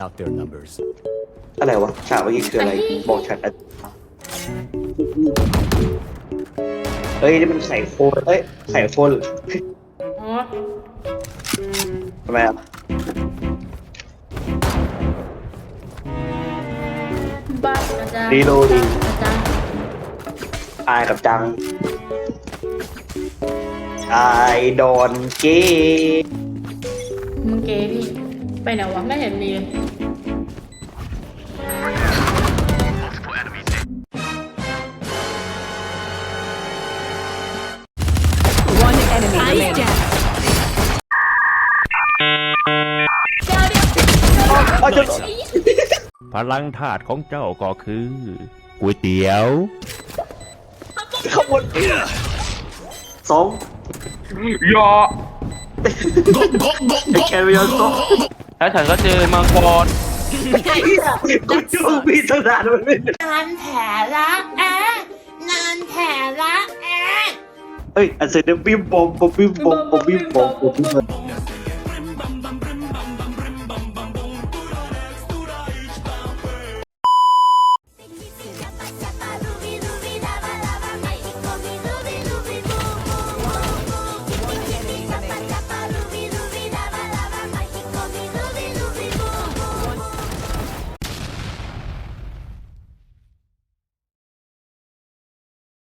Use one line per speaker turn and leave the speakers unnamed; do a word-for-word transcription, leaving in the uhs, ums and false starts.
out their numbers.
อะไรวะฉากเมื่อกี้คืออะไรบอกฉันอ่ะเฮ้ยนี่มันไข่โคนเอ้ยไข่โคน
อ๋อ
ทำไมอ่ะ
บ้านอาจารย์
รีโหลดดิ
อาจารย์
อายกับจังไอดอนเก
มึงเก๋พี่ไปไหนวะไม่เห็นมีเลย
One enemy remaining.
อ้าวจะ
พลังธาตุของเจ้าก็คือก๋วยเตี๋ยว
ขบวนสอง
ยอ
แคริออนสอง
แล้วฉันก็เจอมังกร
กูจูพี่ตั้งนานมันไม่
นานแผลละแอะนานแผลละแอะ
เฮ้ยอันเสร็จแล้วบิ้มบอมบอมบิ้มบอมบอมบิ้มบอมบอมบิ้มบอม